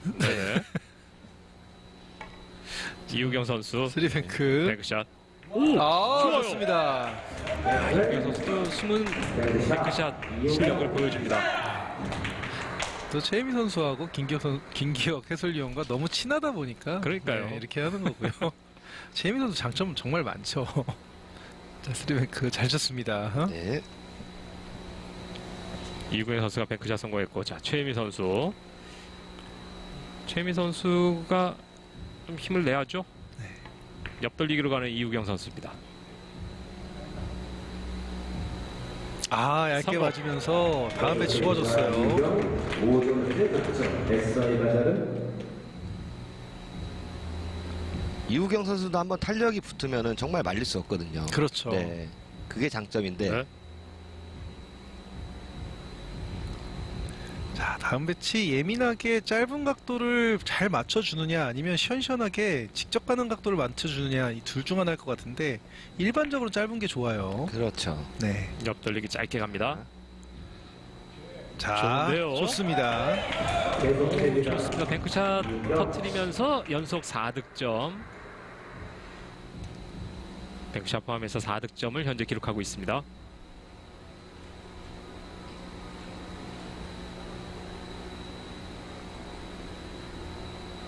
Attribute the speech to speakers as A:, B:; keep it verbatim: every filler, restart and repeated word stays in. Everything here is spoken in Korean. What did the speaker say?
A: 네. 이우경 선수
B: 쓰리뱅크.
A: 뱅크샷.
B: 오, 아,
A: 좋아요.
B: 좋습니다.
A: 이우경 선수도 숨은 뱅크샷 실력을 보여줍니다.
B: 또 최혜미 선수하고 김기혁, 선, 김기혁 해설위원과 너무 친하다 보니까
A: 그러니까요.
B: 네, 이렇게 하는 거고요. 최혜미 선수 장점 정말 많죠. 자, 쓰리뱅크 잘 쳤습니다. 어?
C: 네.
A: 이우경 선수가 뱅크샷 성공했고, 자 최혜미 선수. 최혜미 선수가 좀 힘을 내야죠.
B: 네.
A: 옆돌리기로 가는 이우경 선수입니다.
B: 아, 얇게
A: 삼 번.
B: 맞으면서 다음에 지워졌어요.
C: 이우경 선수도 한번 탄력이 붙으면은 정말 말릴 수 없거든요.
B: 그렇죠.
C: 네. 그게 장점인데.
A: 네.
B: 자, 다음 배치 예민하게 짧은 각도를 잘 맞춰주느냐 아니면 시원시원하게 직접 가는 각도를 맞춰주느냐 이 둘 중 하나일 것 같은데 일반적으로 짧은 게 좋아요.
C: 그렇죠.
B: 네.
A: 옆돌리기 짧게 갑니다.
B: 자,
A: 좋은데요?
B: 좋습니다.
A: 좋습니다. 뱅크샷 터트리면서 연속 사 득점. 뱅크샷 포함해서 사 득점을 현재 기록하고 있습니다.